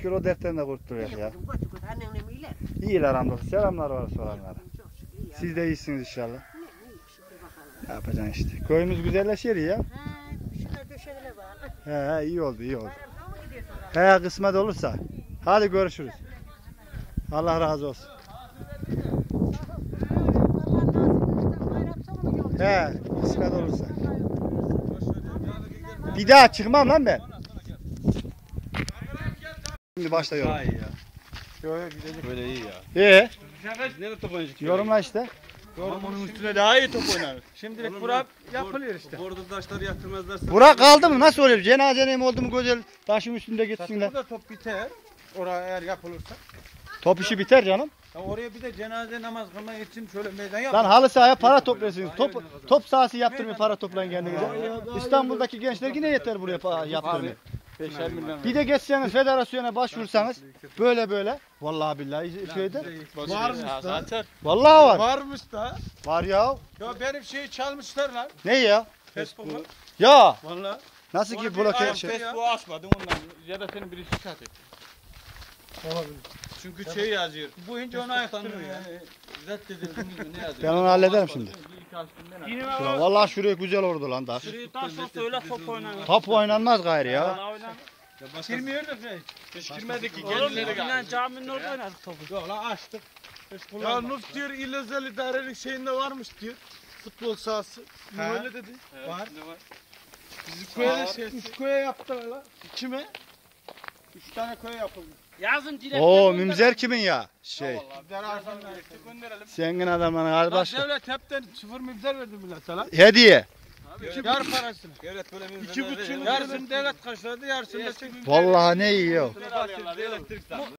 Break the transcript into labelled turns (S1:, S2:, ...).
S1: şükür o dertten de kurtulduk
S2: İyi
S1: ya.
S2: kızım, koçu koçu, annem iyiler.
S1: İyiler hamdolsun. Selamlar var soranlara.
S2: Çok şükür iyi.
S1: Siz de iyisiniz inşallah.
S2: Ne iyi şükür bakalım.
S1: Ne yapacaksın işte. Köyümüz güzelleşiyor ya.
S2: He, şuna döşeğine bağlı.
S1: He iyi oldu iyi oldu.
S2: Bayramda mı gidiyorsun?
S1: He kısmet olursa. Hadi görüşürüz. Allah razı olsun. He kısmet olursa. Bir daha çıkmam lan ben. Şimdi başlıyorum.
S3: Daha iyi ya. Böyle iyi ya. Nerede top oynayacak?
S1: Yorumla işte.
S4: Onun üstüne daha iyi top oynar. Şimdilik bura yapılıyor işte.
S3: Orada taşları yatırmazlarsa.
S1: Burak kaldı mı? Nasıl oluyor? Cenazenem oldu mu güzel taşın üstünde gitsinler.
S4: Burada top biter. Oraya eğer yapılırsa.
S1: Top işi biter canım.
S4: Ya oraya bir de cenaze namaz kılmak için şöyle meydan yap.
S1: Lan halı sahaya para topluyorsunuz. Top sahası yaptırmıyor para toplayın kendinize. İstanbul'daki gençler yine yeter buraya yaptırmıyor.
S4: 5'er milyon.
S1: Bir de geçseniz federasyona başvursanız böyle. Vallahi billahi köyde.
S4: Varmış da.
S1: Vallahi var.
S4: Varmış da.
S1: Var ya.
S4: Ya benim şeyi çalmışlar lan.
S1: Ne ya?
S4: Facebook'u.
S1: Ya.
S4: Valla.
S1: Nasıl ki bloke şey?
S4: Facebook'u açmadım ondan. Ya da senin birisi şikayet etti.
S3: Olabilir. Çünkü şey yazıyor.
S4: Bu ince ona ayıktırıyor ya.
S3: Reddedildi mi ne yazıyor?
S1: Ben onu hallederim şimdi.
S4: Yine
S1: Şura, vallahi şuraya güzel oldu lan da.
S5: Şuradan sonra öyle top oynanır.
S1: Top oynanmaz gayrı ya.
S4: girmiyor da şey.
S3: Hiç girmedi ki
S5: Oğlum
S3: kendileri
S5: yine
S3: geldi.
S5: caminin orada oynadık topu.
S4: Yok lan açtık.
S6: Ya Nuf diyor İl Özel İdarelik şeyinde varmış diyor. Futbol sahası. Ne
S4: Ha.
S6: öyle dedi.
S4: Var.
S6: Bizim köye şey. 3 köye yaptılar lan. Kime?
S4: 3 tane köy yapıldı.
S5: Yazın dilekler
S1: Oo mümzer kimin ya? Şey.
S4: Bizler arsanlar gönderelim.
S1: Senin adamın kardeş.
S6: Devlet hepten 0 mibzer verdi millete lan.
S1: Hediye.
S6: Yar parasını.
S3: Devlet böyle bir
S6: 2,5
S4: Yarısını devlet karşıladı, yarısını da çekti.
S1: Vallahi ne iyi ya.
S3: elektrik